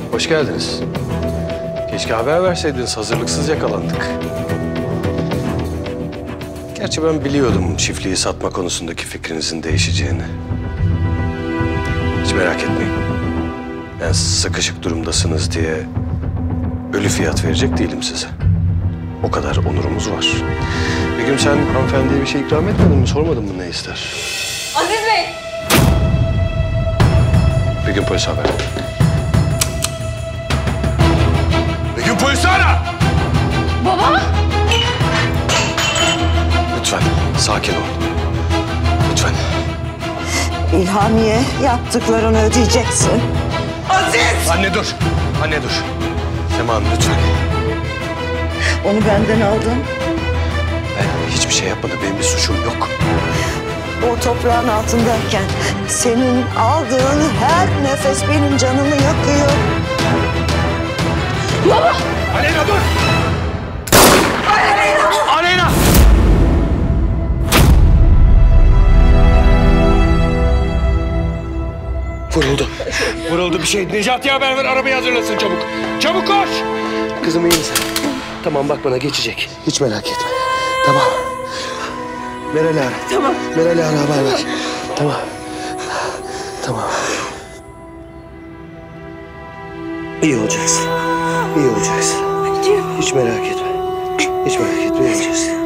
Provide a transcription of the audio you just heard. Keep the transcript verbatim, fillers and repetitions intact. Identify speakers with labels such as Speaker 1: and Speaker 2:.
Speaker 1: Hoş geldiniz. Keşke haber verseydiniz, hazırlıksız yakalandık. Gerçi ben biliyordum çiftliği satma konusundaki fikrinizin değişeceğini. Hiç merak etmeyin. Ben sıkışık durumdasınız diye ölü fiyat verecek değilim size. O kadar onurumuz var. Begüm, sen hanımefendiye bir şey ikram etmedin mi? Sormadın mı ne ister?
Speaker 2: Aziz Bey!
Speaker 1: Begüm, polisi haber.
Speaker 3: Begüm, polisi ara!
Speaker 2: Baba!
Speaker 1: Lütfen sakin ol. Lütfen.
Speaker 4: İlhamiye, yaptıklarını ödeyeceksin.
Speaker 2: Aziz!
Speaker 1: Anne dur. Anne dur. Sema Hanım, lütfen.
Speaker 4: Onu benden aldın.
Speaker 1: Ben hiçbir şey yapmadım. Benim bir suçum yok.
Speaker 4: O toprağın altındayken senin aldığın her nefes benim canımı yakıyor.
Speaker 2: Baba!
Speaker 3: Aleyna dur!
Speaker 2: Aleyna!
Speaker 3: Aleyna!
Speaker 1: Vuruldu.
Speaker 3: Vuruldu bir şey. Necati'ye haber ver, arabayı hazırlasın çabuk. Çabuk koş!
Speaker 1: Kızım, iyi misin? Tamam, bak bana geçecek. Hiç merak etme. Tamam. Meral'i ara.
Speaker 2: Tamam.
Speaker 1: Meral'i ara, haber ver. Tamam. Tamam. İyi olacaksın. İyi olacaksın. Hiç merak etme. Hiç merak etme. İyi olacaksın.